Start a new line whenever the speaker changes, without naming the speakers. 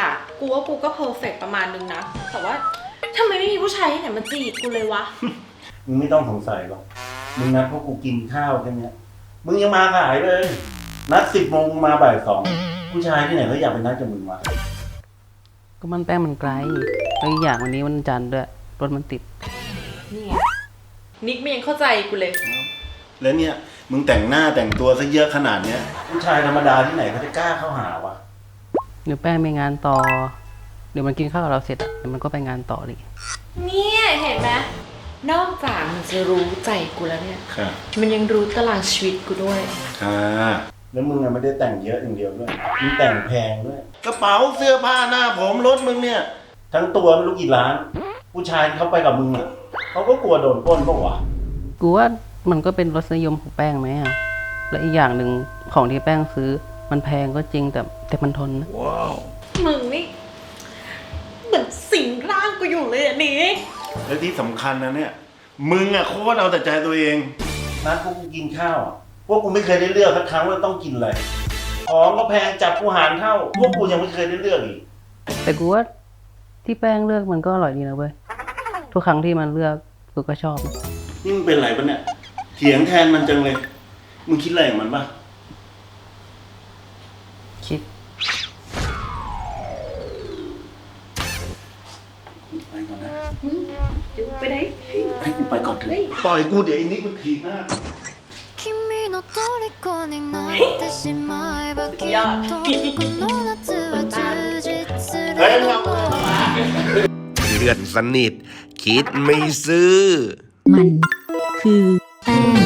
อ่ะกูว่ากูก็เพอร์เฟกต์ประมาณนึงนะแต่ว่าทำไมไม่มีผู้ชายที่ไหนมาจีบกูเลยวะ
มึงไม่ต้องสงสัยหรอกมึงนัดพวกกูกินข้าวแค่เนี้ยมึงยังมาสายเลย นัด10 โมงมาบ่าย 2ผู้ชายที่ไหนเขาอยากไปนัดกับมึงวะ
ก็มันแป้งมันไกลแล้วอีกอย่างวันนี้วันจันทร์ด้วยรถมันติด
นี่ไงนิกไม่ยังเข้าใจกูเลย
แล้วเนี่ยมึงแต่งหน้าแต่งตัวซะเยอะขนาดเนี้ยผู้ชายธรรมดาที่ไหนเขาจะกล้าเข้าหาวะ
เดี๋ยวแป้งมีงานต่อ เดี๋ยวมันกินข้าวกับเราเสร็จอ่ะเดี๋ยวมันก็ไปงานต่อเลย
เนี่ยเห็นไหมนอกจากมันจะรู้ใจกูแล้วเนี่ย
ค่ะ
มันยังรู้ตารางชีวิตกูด้วย
ค่ะแล้วมึงไม่ได้แต่งเยอะอย่างเดียวด้วยมึงแต่งแพงด้วยกระเป๋าเสื้อผ้าหน้าผมรถมึงเนี่ยทั้งตัวไม่รู้กี่ล้าน ผู้ชายที่เขาไปกับมึงอ่ะเขาก็กลัวโดนปล้นปะวะ
กูว่ามันก็เป็นรสนิยมของแป้งไหมอ่ะและอีกอย่างหนึ่งของที่แป้งซื้อมันแพงก็จริงแต่มันทนนะ
มึงนี่เหมือนสิงร่างกูอยู่เลยอ่ะนิก
แล้วที่สำคัญนะเนี่ยมึงอ่ะโคตรเอาแต่ใจตัวเองนัดพวกกูกินข้าวอ่ะพวกกูไม่เคยได้เลือกสักครั้งว่าต้องกินอะไรของก็แพงจับกูหารเท่าพวกกูยังไม่เคยได้เลือกอีก
แต่กูว่าที่แป้งเลือกมันก็อร่อยดีนะเว้ยทุกครั้งที่มันเลือกกูก็ชอบนะ
นี่มึงเป็นไรปะเนี่ยเถียงแทนมันจังเลยมึงคิดอะไรของมันปะ
คิด
ไปก่อนนะ
ไปไหน
ให้กูไปก่อนเถอะปล่อยกูเดี๋ยวไอ้นิกมันถีบหน้า
君の虜になってしまえばきっとこの夏は充実する
เฮ้ยมึงเอา
เพื่อนสนิทคิดไม่ซื้อ
มันคือแป้ง